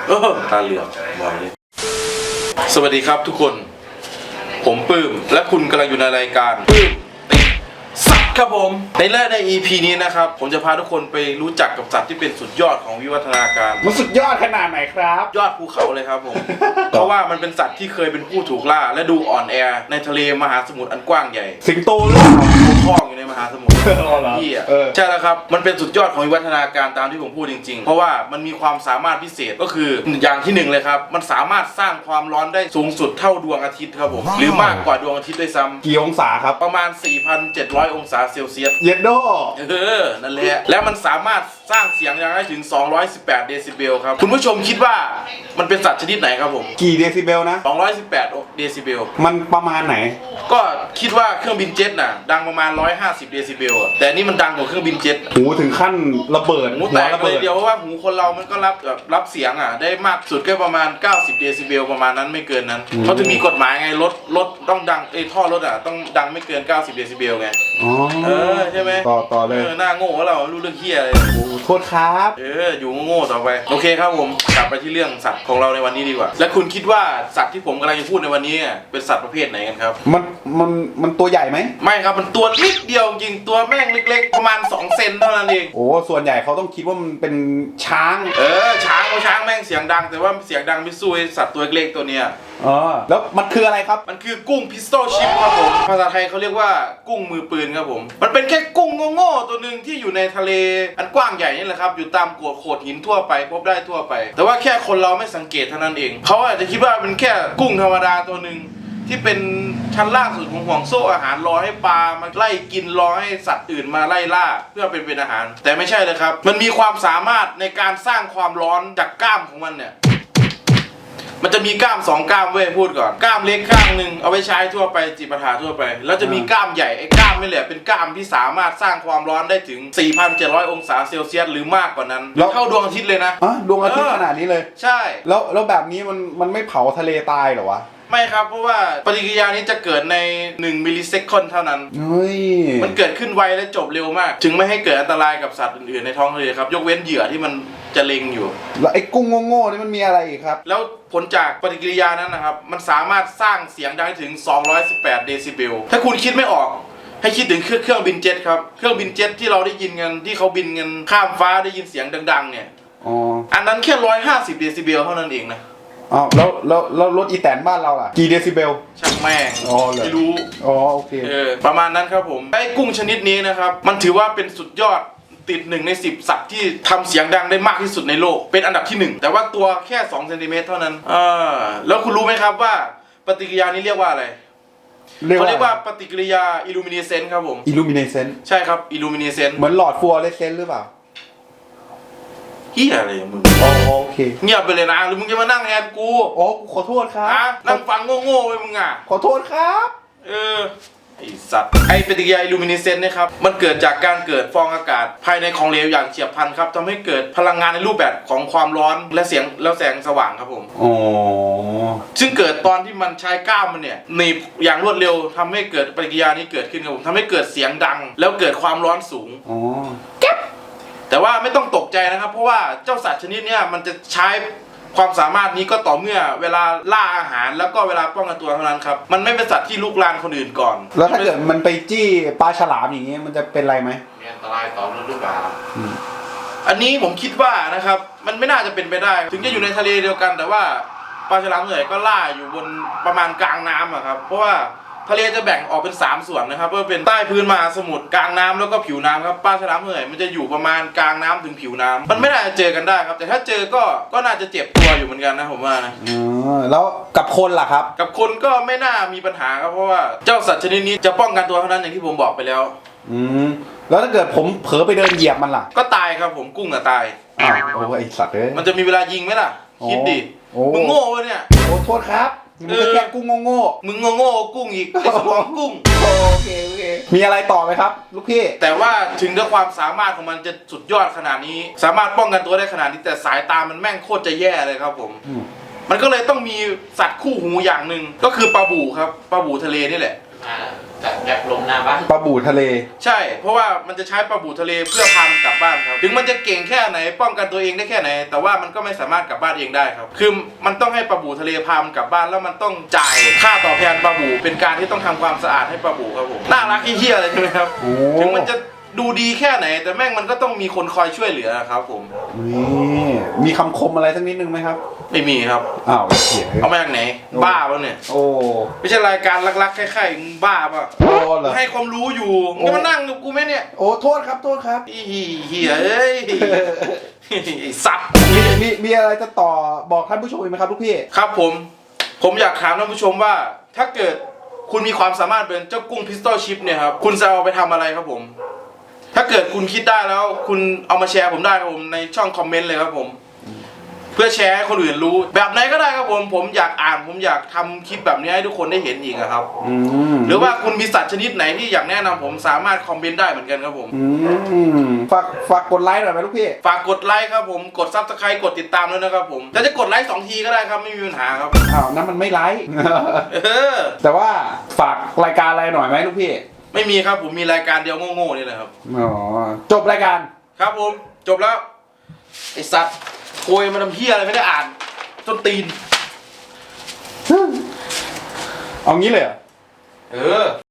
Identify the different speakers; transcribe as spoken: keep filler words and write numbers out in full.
Speaker 1: เออตาเหลือกบอกเลยสวัสดีครับทุกคนผมปื้มและคุณกำลังอยู่ในรายการปื้มติดสัตว์ครับผมในแรกใน อี พี นี้นะครับผมจะพาทุกคนไปรู้จักกับสัตว์ที่เป็นสุดยอดของวิวัฒนาการ
Speaker 2: มันสุดยอดขนาดไหนครับ
Speaker 1: ยอดภูเขาเลยครับผม เพราะว่ามันเป็นสัตว์ที่เคยเป็นผู้ถูกล่าและดูอ่อนแอในทะเลมหาสมุทรอันกว้างใหญ่
Speaker 2: สิงโตหรือเปล่า
Speaker 1: คล้องอยู่ในมหาสมุทรพี่อ่ะใช่แล้วครับมันเป็นสุดยอดของวิวัฒนาการตามที่ผมพูดจริงๆเพราะว่ามันมีความสามารถพิเศษก็คืออย่างที่หนึ่งเลยครับมันสามารถสร้างความร้อนได้สูงสุดเท่าดวงอาทิตย์ครับผมหรือมากกว่าดวงอาทิตย์ด้วยซ้ำ
Speaker 2: กี่องศาครับ
Speaker 1: ประมาณ สี่พันเจ็ดร้อย องศาเซลเซียส
Speaker 2: เย็นโด
Speaker 1: เออนั่นแหละแล้วมันสามารถสร้างเสียงดังได้ถึงสองร้อยสิบแปดเดซิเบลครับคุณผู้ชมคิดว่ามันเป็นสัตว์ชนิดไหนครับผม
Speaker 2: กี่เดซิเบลนะ
Speaker 1: สองร้อยสิบแปดเดซิเบล
Speaker 2: มันประมาณไหน
Speaker 1: ก็คิดว่าเครื่องบินเจ็ตน่ะดังประมาณหนึ่งร้อยห้าสิบเดซิเบลแต่นี่มันดังกว่าเครื่องบินเจ็ต
Speaker 2: หูถึงขั้นระเบิด
Speaker 1: หูแตกเลยเดียวเพราะว่าหูคนเรามันก็รับแบบรับเสียงอ่ะได้มากสุดก็ประมาณเก้าสิบเดซิเบลประมาณนั้นไม่เกินนั้นเขาจะมีกฎหมายไงรถรถต้องดังเอ้ท่อรถอ่ะต้องดังไม่เกินเก้าสิบเดซิเบลไง
Speaker 2: อ๋อ
Speaker 1: เออใช่ไหม
Speaker 2: ต่อต่อเลย
Speaker 1: เออหน้าโง่เรารู้เรื่องเหี้ยอะไร
Speaker 2: โอ้โทษครับ
Speaker 1: เอออยู่โง่ต่อไปโอเคครับผมกลับไปที่เรื่องสัตว์ของเราในวันนี้ดีกว่าและคุณคิดว่าสัตว์ที่ผมกำลังจะพูดในวันนี้เป็นสัตว์ประเภทไหนกันครับ
Speaker 2: มันมันมันตัวใหญ่ไหม
Speaker 1: ไม่ครับมันตัวนิดเดียวจริงตัวแม่งเล็กๆประมาณสองเซนเท่านั้นเอง
Speaker 2: โอ้ส่วนใหญ่เขาต้องคิดว่ามันเป็นช้าง
Speaker 1: เออช้างเขาช้างแม่งเสียงดังแต่ว่าเสียงดังไม่สู้สัตว์ตัวเล็กตัวเนี้ย
Speaker 2: อ๋อแล้วมันคืออะไรครับ
Speaker 1: มันคือกุ้งพิสโตชิปครับผมภาษาไทยเขาเรียกว่ากุ้งมือปืนครับผมมันเป็นแค่กุ้งโง่ๆตัวหนึ่งที่อยู่ในทะเลอันกว้างใหญ่นี่แหละครับอยู่ตามโขดโขดหินทั่วไปพบได้ทั่วไปแต่ว่าแค่คนเราไม่สังเกตเท่านั้นเองเขาอาจจะคิดว่าเป็นแค่กุ้งธรรมดาตัวหนึ่งที่เป็นชั้นล่างสุดของห่วงโซ่อาหารรอให้ปลามาไล่กินรอให้สัตว์อื่นมาไล่ล่าเพื่อเป็นเป็นอาหารแต่ไม่ใช่เลยครับมันมีความสามารถในการสร้างความร้อนจากกล้ามของมันเนี่ยมันจะมีกล้ามสองกล้ามเว้ยพูดก่อนกล้ามเล็กข้างหนึ่งเอาไว้ใช้ทั่วไปจิปาถะทั่วไปแล้วจะมีกล้ามใหญ่ไอ้กล้ามนี่แหละเป็นกล้ามที่สามารถสร้างความร้อนได้ถึง สี่พันเจ็ดร้อย องศาเซลเซียสหรือมากกว่านั้นเท่าดวงอาทิตย์เลยนะ
Speaker 2: อ๋อดวงอาทิตย์ขนาดนี้เลย
Speaker 1: ใช่
Speaker 2: แล้วแล้วแบบนี้มันมันไม่เผาทะเลตายเหรอวะ
Speaker 1: ไม่ครับเพราะว่าปฏิกิริยานี้จะเกิดในหนึ่งมิลลิเซคันเท่านั้น
Speaker 2: เฮ้ย
Speaker 1: มันเกิดขึ้นไวและจบเร็วมากถึงไม่ให้เกิดอันตรายกับสัตว์อื่นๆในท้องทะเลครับยกเว้นเหยื่อที่มันจะเล็งอยู่
Speaker 2: แล้วไอ้กุ้งโง่ๆนี่มันมีอะไรอีกครับ
Speaker 1: แล้วผลจากปฏิกิริยานั้นนะครับมันสามารถสร้างเสียงดังถึงสองร้อยสิบแปดเดซิเบลถ้าคุณคิดไม่ออกให้คิดถึงเครื่องบินเจ็ตครับเครื่องบินเจ็ตที่เราได้ยินกันที่เขาบินกันข้ามฟ้าได้ยินเสียงดังๆเนี่ย
Speaker 2: อ๋อ
Speaker 1: อันนั้นแค่หนึ่งร้อยห้าสิบเดซิเบลเท่านั้นเองนะ
Speaker 2: อ๋อแล้วแล้วแล้วรถอีแตนบ้านเราล่ะกี่เดซิเบล
Speaker 1: ช่างแม่ง
Speaker 2: อ๋อเลย
Speaker 1: ไม่รู้
Speaker 2: อ๋อโอเค
Speaker 1: เออประมาณนั้นครับผมไอ้กุ้งชนิดนี้นะครับมันถือว่าเป็นสุดยอดติดหนึ่งในสิบสัตว์ที่ทำเสียงดังได้มากที่สุดในโลกเป็นอันดับที่หนึ่งแต่ว่าตัวแค่สองเซนติเมตรเท่านั้นอ่าแล้วคุณรู้ไหมครับว่าปฏิกิริยานี้เรียกว่าอะไรเขาเรียกว่าปฏิกิริยาอิลูมิเนเซนต์ครับผม
Speaker 2: อิลูมิเนเซนต์
Speaker 1: ใช่ครับอิลูมิเนเซนต์
Speaker 2: เหมือนหลอดฟลูออเรสเซนต์หรือเปล่า
Speaker 1: เฮียอะไรมึง
Speaker 2: อ๋อโอเค
Speaker 1: เงียบไปเลยนะหรือมึงจะมานั่งแทนกู
Speaker 2: อ๋อขอโทษครับ
Speaker 1: นั่งฟังโง่ๆไปมึงอ่ะ
Speaker 2: ขอโทษครับ
Speaker 1: เออไอสัตว์ไอปฏิกิริยาอิลูมิเนเซนต์นะครับมันเกิดจากการเกิดฟองอากาศภายในของเหลวอย่างเฉียบพลันครับทำให้เกิดพลังงานในรูปแบบของความร้อนและเสียงแล้วแสงสว่างครับผม
Speaker 2: อ๋อ
Speaker 1: ซึ่งเกิดตอนที่มันใช้กล้ามมันเนี่ยหนีบอย่างรวดเร็วทำให้เกิดปฏิกิริยานี้เกิดขึ้นครับผมทำให้เกิดเสียงดังแล้วเกิดความร้อนสูง
Speaker 2: อ๋อ
Speaker 1: แต่ว่าไม่ต้องตกใจนะครับเพราะว่าเจ้าสัตว์ชนิดนี้มันจะใช้ความสามารถนี้ก็ต่อเมื่อเวลาล่าอาหารแล้วก็เวลาป้องกันตัวเท่านั้นครับมันไม่เป็นสัตว์ที่ลุกลานคนอื่นก่อน
Speaker 2: แล้วถ้าเกิดมันไปจี้ปลาฉลามอย่างเงี้ยมันจะเป็นไรไหม
Speaker 3: มีอันตรายต่อมนุษย์หรือเปล่า
Speaker 1: อันนี้ผมคิดว่านะครับมันไม่น่าจะเป็นไปได้ถึงจะอยู่ในทะเลเดียวกันแต่ว่าปลาฉลามส่วนใหญ่ก็ล่าอยู่บนประมาณกลางน้ำอะครับเพราะว่าทะเลจะแบ่งออกเป็นสามส่วนนะครับเพื่อเป็นใต้พื้นมหาสมุทรกลางน้ำแล้วก็ผิวน้ำครับปลาฉลามส่วนใหญ่มันจะอยู่ประมาณกลางน้ำถึงผิวน้ำมันไม่น่าจะเจอกันได้ครับแต่ถ้าเจอก็ก็น่าจะเจ็บตัวอยู่เหมือนกันนะผมว่านะ
Speaker 2: อ๋อแล้วกับคนล่ะครับ
Speaker 1: กับคนก็ไม่น่ามีปัญหาครับเพราะว่าเจ้าสัตว์ชนิดนี้จะป้องกันตัวเท่านั้นอย่างที่ผมบอกไปแล้ว
Speaker 2: อืมแล้วถ้าเกิดผมเผลอไปเดินเหยียบมันล่ะ
Speaker 1: ก็ตายครับผมกุ้งอะตาย
Speaker 2: อ้าวโอ้ไอสัตว์เอ้ย
Speaker 1: มันจะมีเวลายิงไหมล่ะคิดดิมึงโง่วะเนี่ย
Speaker 2: โอ้โทษครับมึงแค่กุ้งโง่
Speaker 1: ๆมึงโง่ๆกุ้งอีกไอ้สมองกุ้ง
Speaker 2: โอเคโอเคมีอะไรต่อไหมครับลูกพี่
Speaker 1: แต่ว่าถึงด้วยความสามารถของมันจะสุดยอดขนาดนี้สามารถป้องกันตัวได้ขนาดนี้แต่สายตามันแม่งโคตรจะแย่เลยครับผมมันก็เลยต้องมีสัตว์คู่หูอย่างหนึ่งก็คือปลาบู่ครับปลาบู่ทะเลนี่แหละ
Speaker 3: จากแอบลมหน้าบ้าน
Speaker 2: ปลาบู่ทะเล
Speaker 1: ใช่ เพราะว่ามันจะใช้ปลาบู่ทะเลเพื่อพามันกลับบ้านครับ ถึงมันจะเก่งแค่ไหนป้องกันตัวเองได้แค่ไหน แต่ว่ามันก็ไม่สามารถกลับบ้านเองได้ครับ คือมันต้องให้ปลาบู่ทะเลพามันกลับบ้านแล้วมันต้องจ่ายค่าตอบแทนปลาบู่เป็นการที่ต้องทำความสะอาดให้ปลาบู่ครับผมน่ารักเฮี้ยๆเลยใช่ไหมครับ
Speaker 2: โอ้
Speaker 1: ถึงมันจะดูดีแค่ไหน แต่แม่งมันก็ต้องมีคนคอยช่วยเหลือครับผม
Speaker 2: นี่มีคำคมอะไรสักนิดนึงไหมครับ
Speaker 1: ไม่มีครับ
Speaker 2: อ้าวเขียน
Speaker 1: เอามาจากไหนบ้าป่ะเนี่ย
Speaker 2: โอ้
Speaker 1: ไม่ใช่รายการรักๆใครๆมึงบ้าป่ะ
Speaker 2: โอ้เหรอ
Speaker 1: ให้ความรู้อยู่มึงจะมานั่งกับกูไหมเนี่ย
Speaker 2: โอ้โทษครับโทษครับ
Speaker 1: อีเหี้ยเอ้ยไอ้สัตว์
Speaker 2: มีมีมีอะไรจะต่อบอกท่านผู้ชมอีกไหมครับลูกพี่
Speaker 1: ครับผม ผมอยากถามท่านผู้ชมว่า ถ้าเกิดคุณมีความสามารถเป็นเจ้ากุ้งพิสตอลชิพเนี่ยครับ คุณจะเอาไปทำอะไรครับผม ถ้าเกิดคุณคิดได้แล้ว คุณเอามาแชร์ผมได้ครับผมในช่องคอมเมนต์เลยครับผม เพื่อแชร์ให้คนอื่นรู้ แบบไหนก็ได้ครับผม ผมอยากอ่าน ผมอยากทำคลิปแบบนี้ให้ทุกคนได้เห็นอีกอะครับ
Speaker 2: อืม
Speaker 1: หรือว่าคุณมีสัตว์ชนิดไหนที่อยากแนะนำผมสามารถคอมเมนต์ได้เหมือนกันครับผม
Speaker 2: อืมฝากฝากกดไลค์หน่อยไหมลูกพี่
Speaker 1: ฝากกดไลค์ครับผม กดซับสไครต์กดติดตามด้วยนะครับผมแต่จะกดไลค์สองทีก็ได้ครับไม่มีปัญหาครับ
Speaker 2: อ้าวนั่นมันไม่ไลค์
Speaker 1: เออ
Speaker 2: แต่ว่าฝากรายการอะไรหน่อยไหมลูกพี่
Speaker 1: ไม่มีครับผมมีรายการเดียวโง่ๆนี่แหละครับ
Speaker 2: อ๋อ จบรายการ
Speaker 1: ครับผมจบแล้วไอสัตว์โกยมาทำเพี้ยอะไรไม่ได้อ่านจนตีน
Speaker 2: เอางี้เลยเหรอ
Speaker 1: เออ